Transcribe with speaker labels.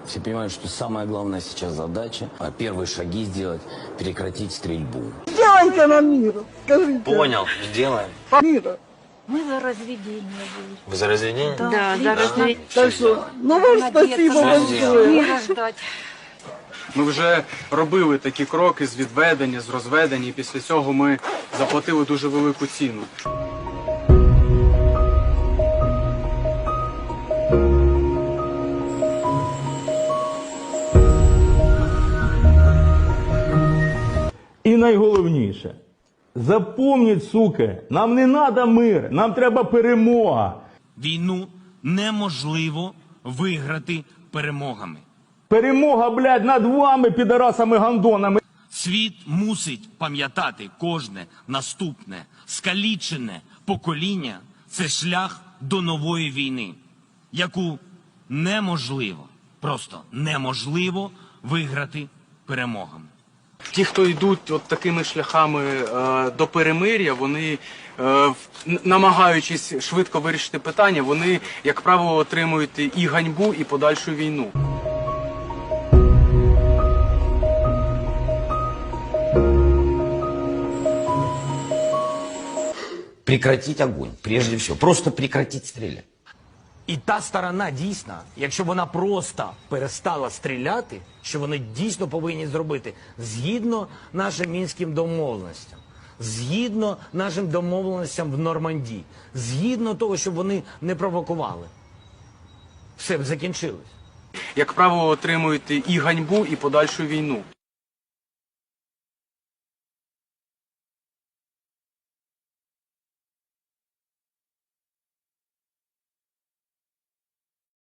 Speaker 1: Все понимают, что самая главная сейчас задача, первые шаги сделать, прекратить стрельбу.
Speaker 2: Сделайте нам мир, скажите.
Speaker 1: Понял, сделаем.
Speaker 2: Мира.
Speaker 3: Мы за разведение будем.
Speaker 1: Вы за разведение?
Speaker 3: Да, за разведение.
Speaker 2: Так що, ну вам спасибо большое.
Speaker 3: Мира ждать.
Speaker 4: Ми вже робили такі кроки з відведення, з розведення, і після цього ми заплатили дуже велику ціну.
Speaker 5: І найголовніше, запомніть, суки, нам не треба мир, нам треба перемога.
Speaker 6: Війну неможливо виграти перемогами.
Speaker 5: Перемога, блядь, над вами, підарасами-гандонами.
Speaker 6: Світ мусить пам'ятати кожне наступне, скалічене покоління – це шлях до нової війни, яку неможливо, просто неможливо виграти перемогами.
Speaker 4: Ті, хто йдуть от такими шляхами до перемир'я, вони, намагаючись швидко вирішити питання, вони, як правило, отримують і ганьбу, і подальшу війну.
Speaker 1: Прекратить огонь, прежде всего. Просто прекратить стрелять.
Speaker 7: І та сторона дійсно, якщо вона просто перестала стріляти, що вони дійсно повинні зробити, згідно нашим мінським домовленостям, згідно нашим домовленостям в Нормандії, згідно того, щоб вони не провокували, все б закінчилось.
Speaker 4: Як правило, отримують і ганьбу, і подальшу війну.